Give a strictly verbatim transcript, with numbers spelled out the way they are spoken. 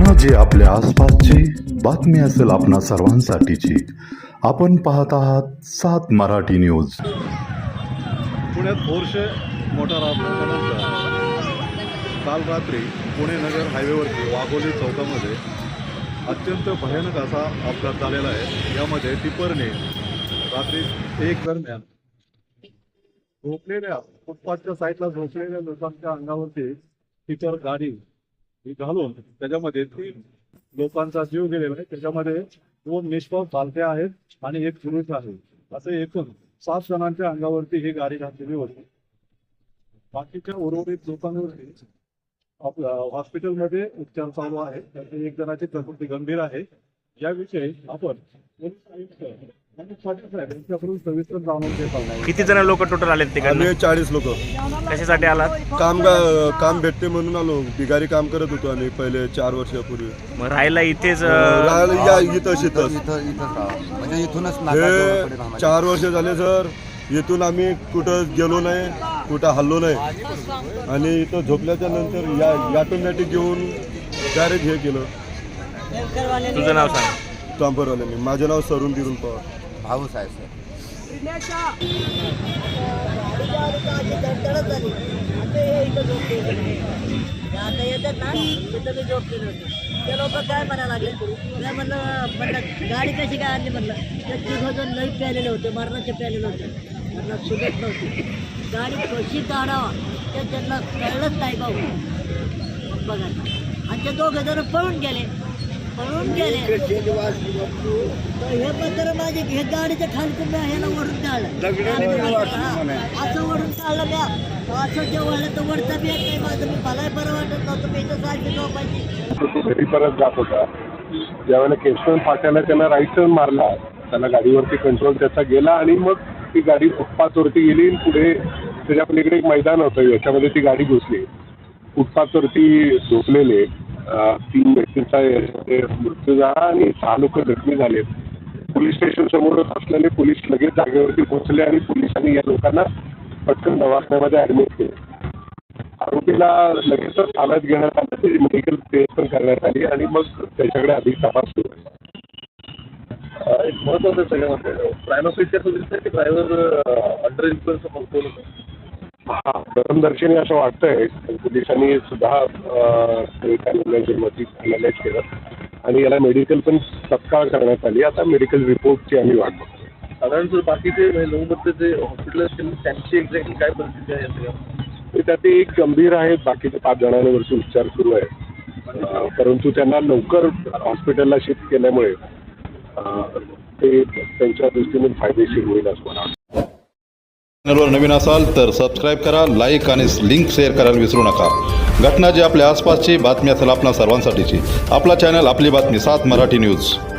घटना जी आपल्या आसपासची बातमी असेल आपणा सर्वांसाठीची। आपण पाहत आहात सात मराठी न्यूज। पुण्यात पोर्शे मोटार अपघातानंतर काल रात्री पुणे नगर हायवेवरती वाघोली चौकामध्ये अत्यंत भयानक असा अपघात झालेला आहे। यामध्ये टिपरने रात्री एक दरम्यान झोपलेल्या फुटपाथच्या साईडला झोपलेल्या लोकांच्या अंगावरती टिपर गाडी घालून त्याच्यामध्ये तीन लोकांचा जीव गेलेला आहे। त्याच्यामध्ये दोन निष्पाप बालक्या आहेत आणि एक पुरुष आहे। असे एकूण सात जणांच्या अंगावरती ही गाडी घातलेली होती। बाकीच्या उर्वरित लोकांवरती आपल्या हॉस्पिटलमध्ये उपचार चालू आहे। त्यातील एक जणाची प्रकृती गंभीर आहे। याविषयी आपण पोलीस आयुक्त आणि पाटील साहेब यांच्याकडून सविस्तर जाणून घेत आहोत। किती जण लोक टोटल आले तिकडे? आम्ही चाळीस लोक कशासाठी आलात? काम काम भेटते म्हणून आलो। बिगारी काम करत होतो आम्ही पहिले चार वर्षापूर्वी। मग राहायला इथेच राहायला या इथं शेतच म्हणजे इथूनच हे चार वर्ष झाले सर। इथून आम्ही कुठं गेलो नाही, कुठं हल्लो नाही आणि इथं झोपल्याच्या नंतर या ऑटोमॅटिक घेऊन डायरेक्ट हे केलं। तुझं नाव सांग. चांपरवाल्यांनी। माझं नाव सरून दिरून पवार भाऊ साहेब आता येतात ना तिथं मी झोपलेले होते। ते लोक काय म्हणायला लागले, मी म्हणलं म्हणलं गाडी कशी काय आणली म्हणलं। ते तिघजण लई प्यालेले होते, मरणाचे प्यालेले होते। म्हणलं सुगत नव्हती गाडी कशी काढावा ते त्यांना कळलंच नाही भाऊ बघा। आणि ते दोघं जण पळून गेले पळून गेले तर हे पत्र माझे हे गाडीच्या खालकून मी ह्याला वडून काढलं। असं वडून काढलं म्या असं जेव्हा तर वडता बी येत नाही माझं। मी मलाही बरं वाटत नव्हतं। मी तर सारखी झोपायची। घरी परत जात होता ज्यावेळेला केशवन फाट्याला त्याला राईट टर्न मारला, त्याला गाडीवरती कंट्रोल त्याचा गेला आणि मग ती गाडी फुटपाथवरती गेली। पुढे त्याच्या पलीकडे एक मैदान होतं, याच्यामध्ये ती गाडी घुसली। फुटपाथवरती झोपलेले तीन व्यक्तींचा मृत्यू झाला आणि सहा लोक जखमी झाले। पोलीस स्टेशन समोरच असलेले पोलीस लगेच जागेवरती पोहोचले आणि पोलिसांनी या लोकांना पटकन दवाखान्यामध्ये ऍडमिट केले। आरोपीला लगेचच ताब्यात घेण्यात आलं, त्याची मेडिकल टेस्ट पण करण्यात आली आणि मग त्याच्याकडे अधिक तपास सुरू आहे। एक महत्वाचं सगळ्यामध्ये प्रायमोफेशियल ड्रायव्हर अंडर इन्फ्लुएन्स होतो। हा प्रथमदर्शनी असं वाटतंय। पोलिसांनी सुद्धा अनालाइज केलं आणि याला मेडिकल पण तत्काळ करण्यात आली। आता मेडिकल रिपोर्टची आम्ही वाट बघतो। साधारण जर बाकीचे नऊ जे हॉस्पिटल असतील त्यांची एक्झॅक्टली काय परिस्थिती आहे सगळ्या? त्यात एक गंभीर आहेत, बाकीच्या पाच जणांवरती उपचार सुरू आहे। परंतु त्यांना लवकर हॉस्पिटलला शिफ्ट केल्यामुळे ते त्यांच्या दृष्टीने फायदेशीर होईल असं मला वाटतं। चॅनलवर नवीन असाल तर सबस्क्राईब करा, लाईक आणि लिंक शेअर करायला विसरू नका। घटना जी आपल्या आसपासची बातमी असेल आपणा सर्वांसाठीची। आपला चॅनल आपली बातमी सात मराठी न्यूज।